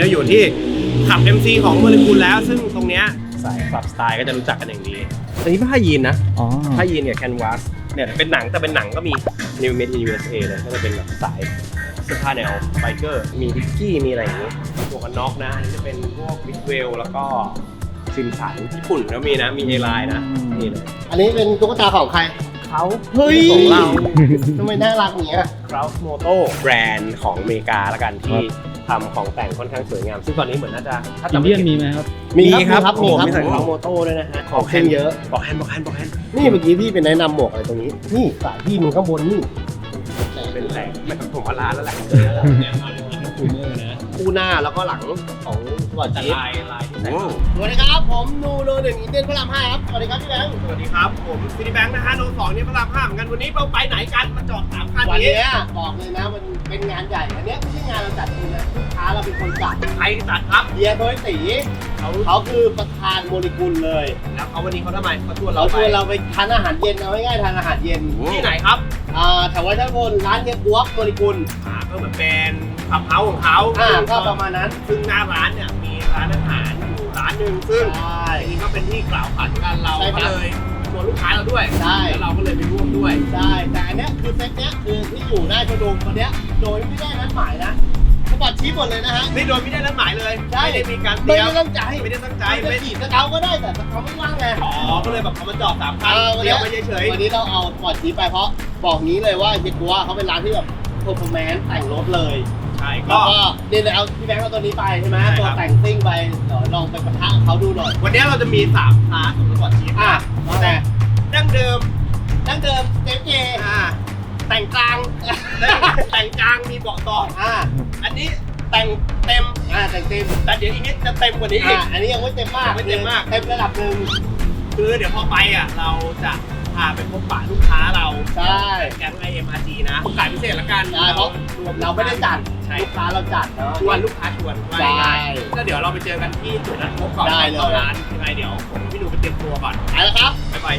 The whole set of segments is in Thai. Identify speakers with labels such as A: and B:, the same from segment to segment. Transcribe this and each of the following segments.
A: เราอยู่ที่ขับ MC ของโมเลกุลแล้วซึ่งตรงเนี้ยสายขับสไตล์ก็จะรู้จักกันอย่างดีอันนี้ผ้ายีนนะผ้ายีนเนี่ยแคนวาสเนี่ยเป็นหนังแต่เป็นหนังก็มี New Made in USA เลยก็จะเป็นแบบสายเสื้อผ้าแนวไบเกอร์มีดิกกี้มีอะไรอย่างงี้หมวกกันน็อกนะอันนี้จะเป็นพวกบิ๊กเวลแล้วก็ซิมสันญี่ปุ่นก็มีนะมีเอไลน์นะนี่เลย
B: อันนี้เป็นตุ๊กตาของใครเขา
A: เฮ้ย
B: ของเราทำไมน่ารักอย่างเงี้ย
A: Kraus Moto แบรนด์ของอเมริกาละกันที่ทำของแต่งค่อนข้างสวยงามซึ่งตอนนี้เหมือนน่าจะถ้า
C: อินเดียนมีไหมครับ
A: มีครับ
B: มีครับ
A: มีใส่ Kraus Moto ด้วยนะฮะ
B: ของขึ้นเยอะ
A: บอกแฮนด์
B: นี่เมื่อกี้พี่เป็นแนะนำหมวกอะไรตรงนี้นี่สายพี่มันข้างบนนี่
A: เป็นแหล่งไม่ต้องผมว่าร้านแล้วแหละเนี่ยเอาเลยกินคูเมอร์นะ
B: คู่หน้าแล้วก็หลังของสปอร์ต
A: แต่
B: จี๊ด
A: ลายที่ใส่
B: สวัสดีครับผมนูโนหนึ่งอินเดียนพระราม 5ครับสวัสดีครับพี่แบงค์
A: สวัสดีครับผมซิตี้แบงค์นะฮะโน2นี่พระราม 5เหมือนกันวันนี้เราไปไหนกันมาจอด3 คัน
B: วัน
A: นี้
B: นี้บอกเลยนะมันเป็นงานใหญ่อันนี้ไม่ใช่งานเราจัดเองนะลูกค้าเราเป็นคนจัด
A: ใครจัดครับ
B: เฮียโดยตีเขาคือประธานโมเลกุลเลย
A: แล้วเขาวันนี้เขาทำไมเขาชวน
B: เรา
A: เรา
B: ช
A: ไป
B: วนเราไปทานอาหารเย็นเอาง่ายๆทานอาหารเย็น
A: ที่ไหนครับ
B: แถววัฒนพลร้านเฮียบวกโมเลกุล
A: ก็เหมือนเป็นขับเฮาของเขา
B: ก็ประมาณนั้น
A: ซึ่งหน้าร้านเนี่ยมีร้านอาหารอยู่ร้านหนึ่งซึ่ง
B: ใช่
A: อันนี้ก็เป็นที่กล่าวขานกันเรา
B: ใช่ค
A: ก็
B: รับ
A: เลยชวนลูกค้าเราด้วย
B: ใช่
A: แล้วเราก็เลยไปร่วมด้วย
B: ใช่แต่อันเนี้ยคือเซ็ตเนี้ยคือที่อยู่หน้าโชว์รูมวันเนี้ยโดยไม่ได้นัดหมายนะสปอร์ตชี้หมดเลยนะฮะ
A: นี่โดยไม่ได้นัดหมายเลย
B: ใช่
A: ไม่ได้มีการเต
B: ไม่
A: รียม
B: ได้ตั้งใจ
A: ไม่ได้ตั้งใจ
B: จะ
A: ไม่
B: ขี่สเกาก็ได้แต่สเกาไม่ว่างไง
A: อ๋อก็เลยแบบเขามาจอด3 คัน
B: วัน
A: เตรีย
B: นี้
A: มไว้เฉย
B: วันนี้เราเอาสปอร์ตชี้ไปเพราะบอกนี้เลยว่าเฮียกัวเขาเป็นร้านที่แบบเพอร์ฟอร์แมนซ์แต่งรถเลย
A: ๆใช่
B: แล้
A: ก็
B: วก็นี่เลยเอาพี่แบงค์เอาตัวนี้ไปใช่ไหม
A: ใช่ครับ
B: ตัวแต่งซิ่งไปเดี๋ยวลองไปปะทะกับเขาดูหน่อย
A: วันนี้เราจะมี3 คลาสของสปอร์ตชีฟ
B: อ่ะ
A: นะแต่ดั้งเดิม
B: ดั้งเดิมเจเจ
A: แต่งกลาง แต่งกลางมีเบาะต่อ อันนี้แต่งเต็ม
B: แต่งเต็ม
A: แต่เดี๋ยวอีกนิดจะเต็มกว่านี้อีก
B: อันนี้ยังไม่เต็มมาก
A: ยังไม่เต็มมาก
B: เต็มระดับหนึ่ง
A: คือเดี๋ยวพอไปอ่ะเราจะพาไปพบปะลูกค้าเรา
B: ใช่
A: แก๊ง IMRG นะโอกาสพิเศษละกัน
B: ใช่เพราะเราไม่ได้จัด
A: ใช่
B: ลูกค้าเราจัดเนาะ
A: ชวนลูกค้าชวนว่า
B: ใช่
A: ง่ายๆก็เดี๋ยวเราไปเจอกันที่จุดนัดพบก่อน
B: ได้เลย
A: เข้าร้านยังไงเดี๋ยวผมพี่ดูไปเตรียมตัวก่อน
B: ไปแล้วครับ
A: บ๊ายบาย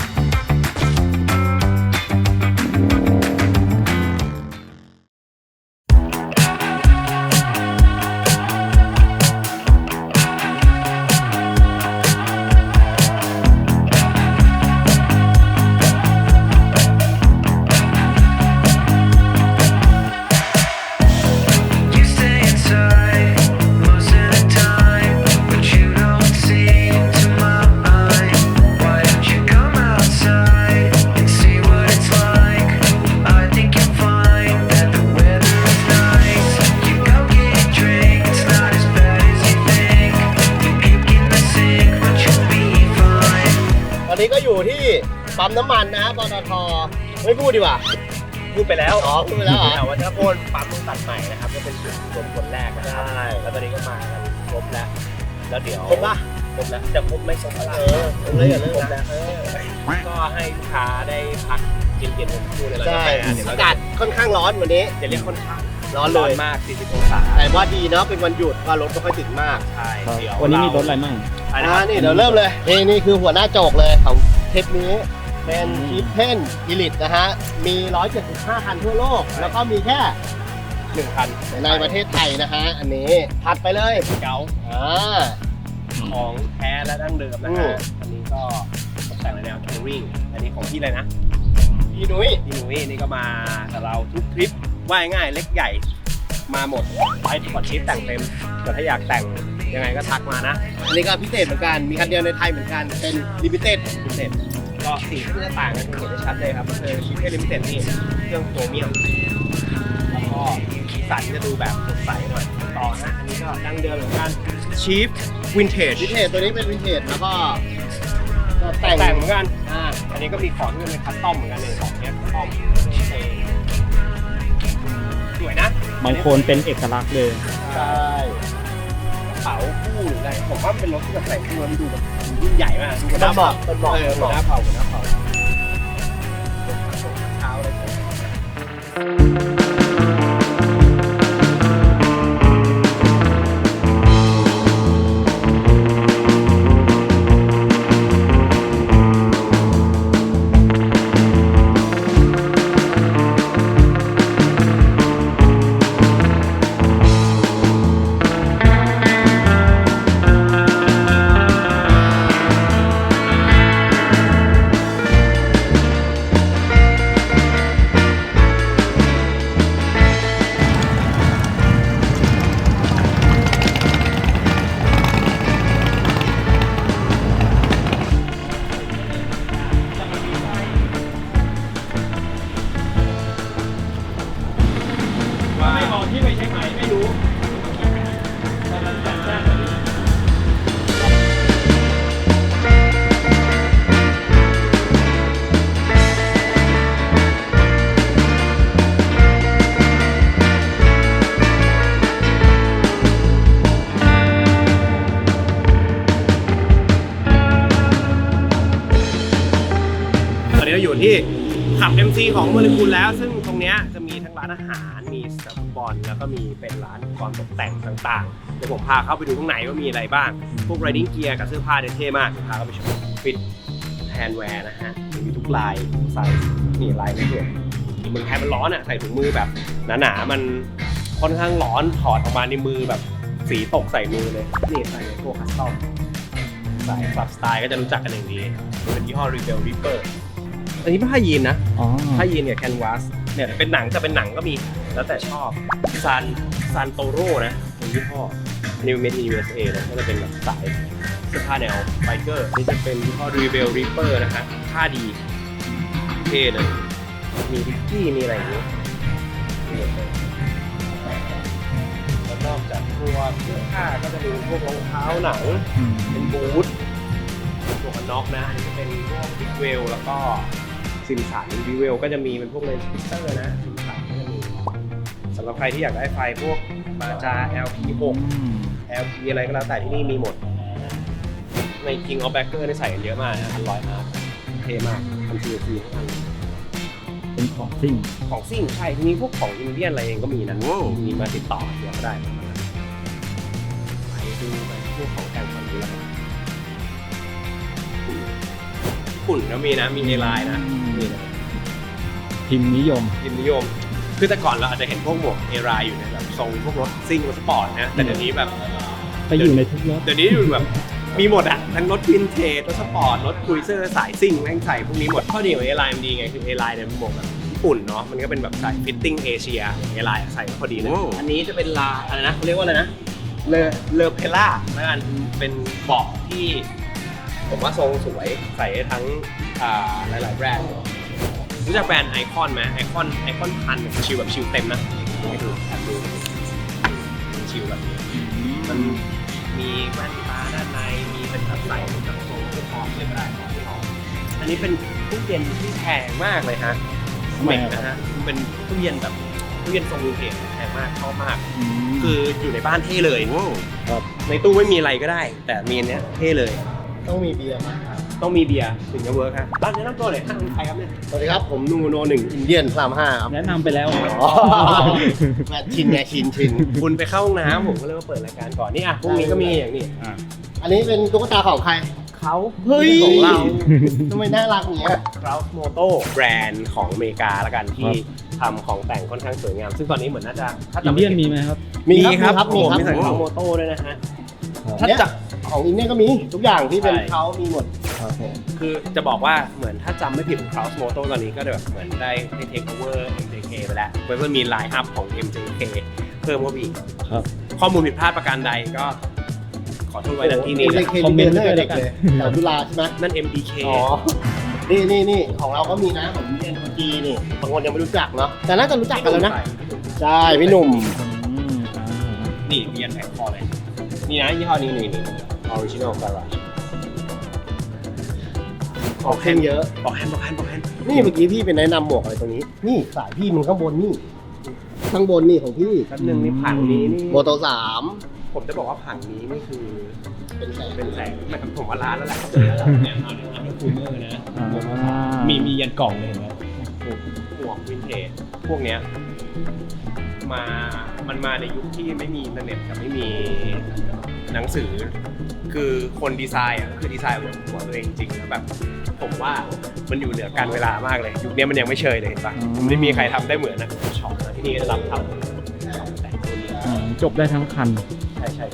D: You stay inside most of the time, but you don't seem to mind. Why don't you come outside and see what it's like? I think you'll find that the weather is nice. You go get a drink, it's not as bad as you think. You puke in the sink, but you'll be fine.
B: ตอนนี้ก็อยู่ที่ปั๊มน้ำมันนะปตทไม่พูดดีกว่า
A: พูดไปแล้ว
B: พูดไปแล้วเหรอ
A: แต่ว่าถ้าโพนปั๊มต้องตัดใหม่นะครับก็เป็นจุดรวมคนแรกนะครับแล้วตอนนี้ก็มากันครบแล้วแล้วเดี๋ยว
B: ครบปะ
A: ครบแล้วแต่ครบไม่ครบอะไร
B: ผมเลยอย่าเลิก
A: ครบ
B: นะ
A: แล้วก็ให้ลูกค้าได้พักเย็นๆทั้งคู่เลยแล้ว
B: ใช่
A: เดี๋ยว
B: อา
A: เรา
B: กาศค่อนข้างร้อนวันนี้
A: จะเรียกค่อนข้าง
B: ร้อนเลย
A: มาก 40 องศา
B: แต่ว่าดีเนาะเป็นวันหยุดว่ารถไม่ค่อยติดมาก
A: ใช่เดี๋ยว
C: วันนี้มีรถอะไรมั่ง
B: นี่เดี๋ยวเริ่มเลยนี่คือหัวหน้าโจกเลยของเทปนี้เป็นชีฟเพนอีลิตนะฮะมี 175 คันทั่วโลก แล้วก็มีแค่
A: 1 คัน
B: ในประเทศไทยนะฮะอันนี้ถัดไปเลย
A: เก๋า ของแท้และดั้งเดิมนะ
B: อื
A: ฮะ
B: ม
A: อันนี้ก็ตกแต่งในแนวทัวริงอันนี้ของพี่เลยนะ
B: พี่นุ้ย
A: พี่หนุ่ยนี่ก็มากับเราทุกทริปว่ายง่ายเล็กใหญ่มาหมดไปก่อนทริปแต่งเต็มแต่ถ้าอยากแต่งยังไงก็ทักมานะ
B: อันนี้ก็พิเศษเหมือนกันมีคันเดียวในไทยเหมือนกันเป็นลิมิเต็ด
A: พิเศษก็สีที่จะต่างกันเห็นได้ชัดเลยครับคือชิปเก้ลิมิเต็ดนี่เครื่องโครเมียมแล้วก็สีสันจะดูแบบสดใสหน่อยต่อนะอันนี้ก็ดั้งเดิมเหมือนกันชีฟวินเทจ
B: วินเทจตัวนี้เป็นวินเทจแล้วก็แต่
A: แต่
B: ง
A: งเหมือนกันอันนี้ก็มีของที่เป็นคัสตอมเหมือนกันเลยของเนี้ยคัสตอมสวยนะ
C: บางคนเป็นเอกลักษณ์เลย
B: ใช่
A: กระเป๋าคู่หรืออะไรผมว่ามันเป็นรถที่แบบแต่งตัวมันดูแบบยิ่งใหญ่มากดูหน้าเผาหน้าเผาหน้าเผาเท้าอะไรวนที่ขับ MC ของโมเลกุลแล้วซึ่งตรงเนี้ยจะมีทั้งร้านอาหารมีสนามฟุตบอลแล้วก็มีเป็นร้านความตกแต่งต่างๆเดี๋ยวผมพาเข้าไปดูข้างในว่ามีอะไรบ้างพวก riding gear กับเสื้อผ้าเนี่ยเท่มากพาเข้าไปชมฟิตแฮนด์แวร์นะฮะมีทุกลายทุกไซส์นี่ลายไม่เกินเมืองไทยมันร้อนอ่ะใส่ถุงมือแบบหนาๆมันค่อนข้างร้อนถอดออกมาในมือแบบสีตกใส่มือเลยนี่ใส่ในพวกคัสตอมสายคลับสไตล์ก็จะรู้จักกันอย่างดีเป็นยี่ห้อ Rebel Reaper อันนี้ผ้ายีนนะ
C: อ๋อ
A: ผ้ายีนกับแคนวาสเนี่ยเป็นหนังแต่เป็นหนังก็มีแล้วแต่ชอบซานโตโร่นะเป็นยี่ห้อ New Made in USA นะก็จะเป็นแบบสายเสื้อผ้าแนวไบเกอร์นี่จะเป็นยี่ห้อ Rebel Reaper นะฮะผ้าดีเท่เลยมีดิกกี้มีอะไรอย่างนี้แล้วนอกจากตัวเสื้อผ้าก็จะมีพวกรองเท้าหนังเป็นบูทหมวกกันน็อกนะอันนี้จะเป็นพวกบิ๊กเวลแล้วก็ซิมสันบิ๊กเวลก็จะมีเป็นพวกเลนส์ฟิลเตอร์นะซิมสันก็จะมีสำหรับใครที่อยากได้ไฟพวกมาจา LP6 LP อะไรก็แล้วแต่ที่นี่มีหมดใน King of Backer ได้ใส่กันเยอะมากนะ100มาเท่มากทำ CLC ทั้ง
C: เป็นของซิ่ง
A: ของซิ่งใช่ที่นี่พวกของอินเดียนอะไรเองก็มีนะมีมาติดต่อเดี๋ยวก็ได้ไปดูไปพวกของแต่งก่อนดูแล้วกันญี่ปุ่นก็มีนะมีในไลน์นะนี่นะ
C: พิมพ์นิยม
A: พิมพ์นิยมคือแต่ก่อนเราอาจจะเห็นพวกหมวกเอรายอยู่ในแบบทรงพวกรถซิ่งรถสปอร์ตนะแต่เดี๋ยวนี้แบบ
C: ไปอยู่ในทุกรถ
A: เดี๋ยวนี้แบบมีหมดอะทั้งรถวินเทจรถสปอร์ตรถครูเซอร์สายซิ่งแม่งใส่พวกนี้หมดข้อดีของเอไลน์มันดีไงคือเอไลน์เนี่ยมันหมวกแบบญี่ปุ่นเนาะมันก็เป็นแบบสายฟิตติ้งเอเชียเอไลน์ใส่พอดีเลยอันนี้จะเป็นลาอะไรนะเขาเรียกว่าอะไรนะเลอเพล่าแล้วกันเป็นเบาะที่ผมว่าทรงสวยใส่ทั้งหลายๆแบรนด์รู้จักแบรนด์ไอคอนไหมไอคอนพันชิลแบบชิลเต็มนะให้ดูแอบดูชิลแบบนี้มันมีแว่นตาด้านในมีเป็นแบบใส่แบบโซ่พร้อมเลยก็ได้อันนี้เป็นตู้เย็นที่แพงมากเลยฮะเม็กนะฮะเป็นตู้เย็นแบบตู้เย็นทรงวินเทจแพงมากชอบมากคืออยู่ในบ้านเท่เลยในตู้ไม่มีอะไรก็ได้ แต่มีอันเนี้ยเท่เลย
B: ต้องมีเบียร์มา
A: ต้องมีเบียร์ถึงจะเวิร์คฮะตอนนี้น้ำตัวเลยท่านใครครับเนี่ย
B: สวัสดีครับผมนูโน1อินเดียนพราม5ครับ
C: แนะนำไปแล้ว
B: แมทชินไงชิน
A: คุณไปเข้าห้องน้ำผมก็เลยมาเปิดรายการก่อนนี่อ่ะพวกนี้ก็มีอย่างนี้
B: อันนี้เป็นตุ๊กตาของใคร
A: เขา
B: เฮ้ย
A: ของเรา
B: ทำไมน่ารักอย่างเงี้ย
A: Kraus Moto แบรนด์ของอเมริกาละกันที่ทำของแต่งค่อนข้างสวยงาม ซึ่งตอนนี้เหมือนน่าจะถ้า
C: อิน
A: จำ
C: เดี
A: ไม่
C: ยน
A: ผิด
C: มีไหมครับ
A: มีครับ
B: มี
A: ผม
B: ครับ
A: มีใส่ Kraus Moto ด้วยนะฮะ ถ้า
B: เนี่ย
A: จะ
B: ของอินเดียก็มีทุกอย่างที่เป็น
A: ใช่
B: เขามีหมด
A: คือจะบอกว่าเหมือนถ้าจำไม่ผิดของ Kraus Moto ตอนนี้ก็แบบเหมือนได้เทคโอเวอร์ MJK ไปแล้วเพิ่มมีไลน์อัพของ MJK เพิ่มเข้าไปอีก
C: ครับ
A: ข้อมูลผิดพลาดประการใดก็ขอโทษไว้ณที่นี้
B: เล
A: นะ
B: ยเค
C: คอมเมนต์
B: เด็ก
C: ด้วย
B: เล
C: แล้วกัน
B: ยแถวจุฬาใช่ไหม
A: นั่น MDK
B: อ๋อ นี่ของเราก็มีนะของอินเดียนคนจีนนี่บางคนยังไม่รู้จักเนาะแต่น่าจะรู้จักกันแล้วนะใช่พี่หนุ่ม
A: นี่เรียนแพ็คคอเลยนี่นะยี่ห้อนี้นี่ Original Garage
B: ของเข้มเยอะ
A: บอกแฮนด์
B: นี่เมื่อกี้พี่เป็นแนะนำหมวกอะไรตรงนี้ นี่สายพี่มันข้างบนนี่ ข้างบนนี่ของพี่
A: แป๊บนึงนี่ผังนี้นี่
B: โมโต3
A: ผมจะบอกว่าผังนี้นี่คือ
B: เป็นแสง
A: เป็นแสงมันผมว่าร้านแล้วแหละเนี่ยเอาเนี่ยอันนี้คูเมอร์นะมียันกล่องเลยเห็นไหมหมวกวินเทจพวกเนี้ยมันมาในยุคที่ไม่มีอินเทอร์เน็ตกับไม่มีหนังสือ คือคนดีไซน์อ่ะก็คือดีไซน์แบบหัวตัวเองจริงๆแล้วแบบผมว่ามันอยู่เหนือการเวลามากเลยยุคนี้มันยังไม่เชยเลยเห็นปะมันไม่มีใครทำได้เหมือนนะช็อปนะที่นี่ก็จะรับทำแต่งตัวนี้
C: จบได้ทั้งคัน
A: ใช่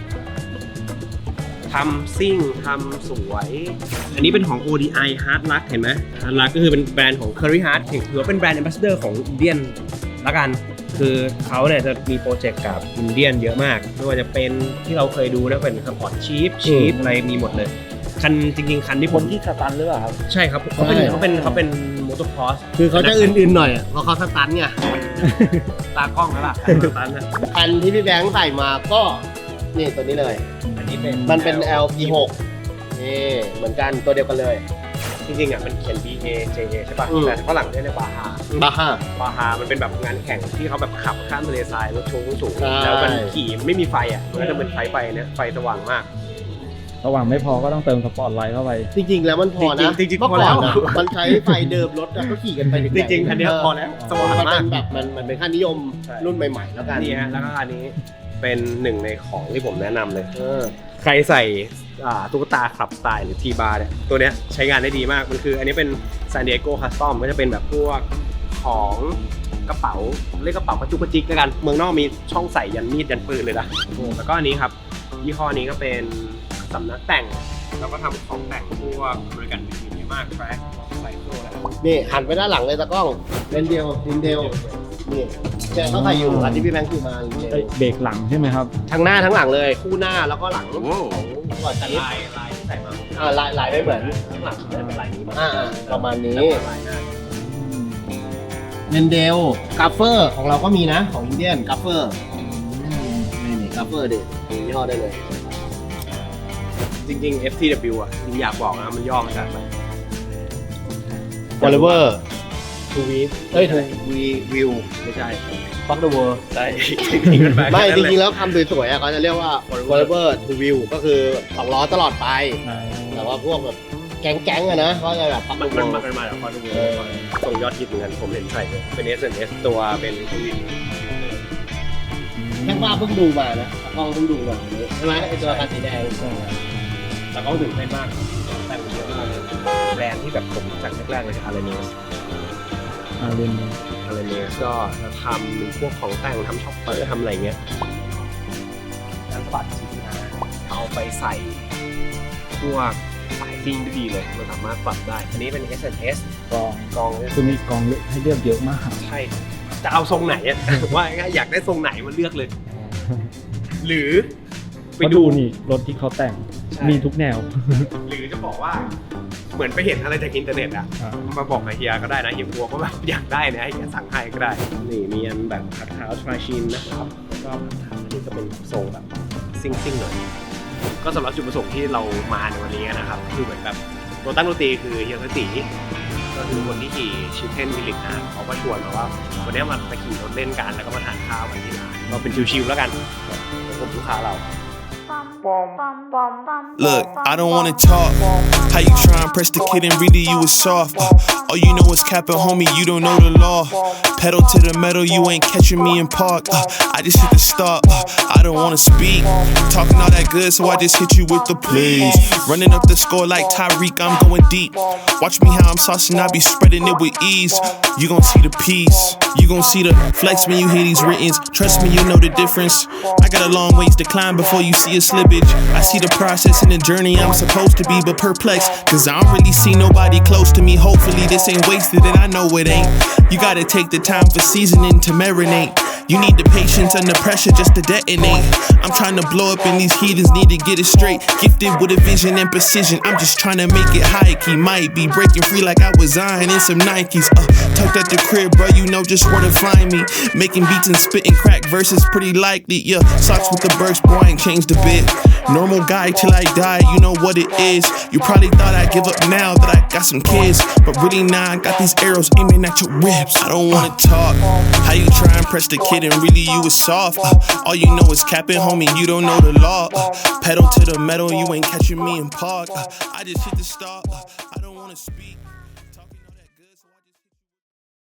A: ทำซิ่งทำสวย อันนี้เป็นของ ODI Hard Luck เห็นไหม Hard Luck ก็คือเป็นแบรนด์ของ Curry Hard ถือว่าเป็นแบรนด์ Ambassador ของอินเดียนละกัน คือเขาเนี่ยจะมีโปรเจกต์กับอินเดียนเยอะมากไม่ว่าจะเป็นที่เราเคยดูนะเป็นสปอร์ตชีฟอะไรมีหมดเลยคันจริงๆคันที่ผม
C: ที่สตันหรือเปล่าครับ
A: ใช่ครับเขาเป็นมอเตอร์คอร์ส
B: คือเขาจะอื่นๆหน่อยอะเพราะเขาสตันไง
A: ตากล้องแล้วล่ะสตันนะ
B: อันที่พี่แบงค์ใส่มาก็นี่ตัวนี้เลย
A: อันนี้เป็น
B: มันเป็น LP6 นี่เหมือนกันตัวเดียวกันเลย
A: จริงๆอ่ะมันเขียน BA JA ใช่ป่ะ
B: อืม
A: แต่ฝรั่งเรียกบาฮา
B: บาฮ่า
A: บาฮามันเป็นแบบงานแข่งที่เขาแบบขับข้ามทะเลทรายรถโชว์สูง
B: ใช่
A: แล้วมันขี่ไม่มีไฟอ่ะมันก็จะเป็นไฟนะไฟสว่างมาก
C: ระหว่างไม่พอก็ต้องเติมสปอร์ตไลท์เข้าไป
B: จริงๆแล้วมันพอนะ
A: จริงๆ
B: เมื่อ
A: พอ
B: ก่
A: แล้
B: อน
A: ว
B: นะมันใช้ไฟเดิมรถแล้วก็ขี่กันไปถึงไห
A: จริงๆอันเนี้ยพอแล้วสว่าง
B: มัน
A: มา
B: เป็
A: ก
B: นแบบมันเป็นค่านิยม
A: ใช่
B: รุ่นใหม่ๆแล้วกัน
A: นี่ฮะแล้วก็อันนี้เป็นหนึ่งในของที่ผมแนะนำเลยใครใส่ตุ๊กตาคลับสไตล์หรือทีบาร์เนี่ยตัวเนี้ยใช้งานได้ดีมากมันคืออันนี้เป็น San Diego Custom ก็จะเป็นแบบพวกของกระเป๋าเรียกกระเป๋ากระจุกกระจิกแล้วกันเมืองนอกมีช่องใส่ยันมีดยันปืนเลยนะแล้วก็อันนี้ครับยี่ห้อนี้ก็เป็นสำนักแต่งแล้วก็ทำของแต่งพวกบริการดีๆมากแฟร์ไซโคแล้ว
B: นี่หันไปด้านหลังเลยตะกล้องเลนเดียวลินเดลนี่แกเขาใส่อยู่อันที่พี่แบงค์คือมาลินเดล
C: เบรกหลังใช่ไหมครับ
B: ทั้งหน้าทั้งหลังเลยคู่หน้าแล้วก็หลังของก่อน
A: แต่
B: นี้
A: ลายที่ใส่มา
B: ลายไม่เหมือน
A: ข้างหลังจะเป็นลายนี้มา
B: ประมาณนี้
A: ลายหน้า
B: เลนเดลกัฟเฟอร์ของเราก็มีนะของอินเดียนกัฟเฟอร์นี่กัฟเฟอร์ดิยี่ห้อได้เลย
A: จริงๆ FTW อ่ะจริงอยากบอกนะมันย่อมาจากอะไร
B: Forever To Weave เอ้ย To View
A: ไม่ใช่
B: Fuck the World
A: ใช่จริงๆมันแปล
B: ไม่จ
A: แค่นั้น
B: ริงๆ
A: เลย
B: แล้วคำสวยๆเขาจะเรียกว่า Forever To View ก็คือ2ล้อตลอดไป แต่ว่าพวกแบบแก๊งๆอะนะเขาจะแบบ Fuck
A: มัน
B: the
A: มา
B: World
A: จากคอนดูส่งยอดฮิตเหมือนกันผมเห็นใส่เลยเป็น SNS ตัวเป็นทวิน
B: แค่ว่าเพิ่งดูมานะกล้องเพิ่งดูมาใช่ไหมไอตัวคันสีแดง
A: แล้วก็ตื่นเต้นมากแต่งเยอะมากเลยแบรนด์ที่แบบผมรู้จักแรกๆเลยคืออาร์เนส
C: เรียน
A: อาร์เนสก็จะทำพวกของแต่งทำช็อปเปอร์ทำอะไรเงี้ยการสะบัดชิ้นนะเอาไปใส่พวกสายซิ่งได้ดีเลยมันสามารถปรับได้อันนี้เป็น SNS
C: กอง
A: กอง
C: คือมีกองให้เลือกเยอะมาก
A: ใช่จะเอาทรงไหนอะ ว่าง่ายๆอยากได้ทรงไหนมันเลือกเลย หรือไป
C: ไป
A: ดู
C: ดูนี่รถที่เขาแต่ง
A: ใช่
C: มีทุกแนว
A: หรือจะบอกว่าเหมือนไปเห็นอะไรจากอินเทอร์เน็ตอะมาบอกกับเฮียก็ได้นะเฮียกลัวก็แบบอยากได้นะให้เฮียสั่งให้ก็ได้นี่มีอันแบบคัทเท้าทราชินนะครับแล้วก็คัทเท้าอันนี้ก็เป็นทรงแบบซิ่งๆหน่อยก็สำหรับจุดประสงค์ที่เรามาในวันนี้นะครับคือเหมือนแบบตัวตั้งดนตรีคือเฮียสตีก็คือคนที่ขี่ชิปเทนวิลลิตนะเขาก็ชวนมาว่าวันนี้มาขี่รถเล่นกันแล้วก็มาทานข้าวกันที่ร้านก็เป็นชิวๆแล้วกันผมลูกค้าเรา
E: Look, I don't wanna talk. How you try and press the kid and really you was soft. All you know is capping, homie, you don't know the law. Pedal to the metal, you ain't catching me in park. I just hit the stop. I don't wanna speak. Talking all that good, so I just hit you with the plays. Running up the score like Tyreek, I'm going deep. Watch me how I'm saucing, I be spreading it with ease. You gon' see the peace. You gon' see the flex when you hear these writtens. Trust me, you know the difference. I got a long ways to climb before you see a slippage. I see the process and the journey I'm supposed to be, but perplexed. Cause I don't really see nobody close to me. Hopefully this ain't wasted and I know it ain't. You gotta take the time for seasoning to marinate. You need the patience under pressure just to detonate. I'm trying to blow up and these heathens need to get it straight. Gifted with a vision and precision. I'm just trying to make it high key. Might be breaking free like I was Zion in some Nikes. Tucked at the crib, bro, you know just where to find me. Making beats and spitting crack verses pretty likely. Yeah, socks with the Birks, boy, I ain't changed a bit. Normal guy till I die, you know what it is. You probably thought I'd give up now that I got some kids. But really now I got these arrows aiming at your ribs. I don't wanna talk. How you try and press the kid and really you was soft. All you know is capping, homie, you don't know the law. Pedal to the metal, you ain't catching me in park. I just hit the stop. I don't wanna speak.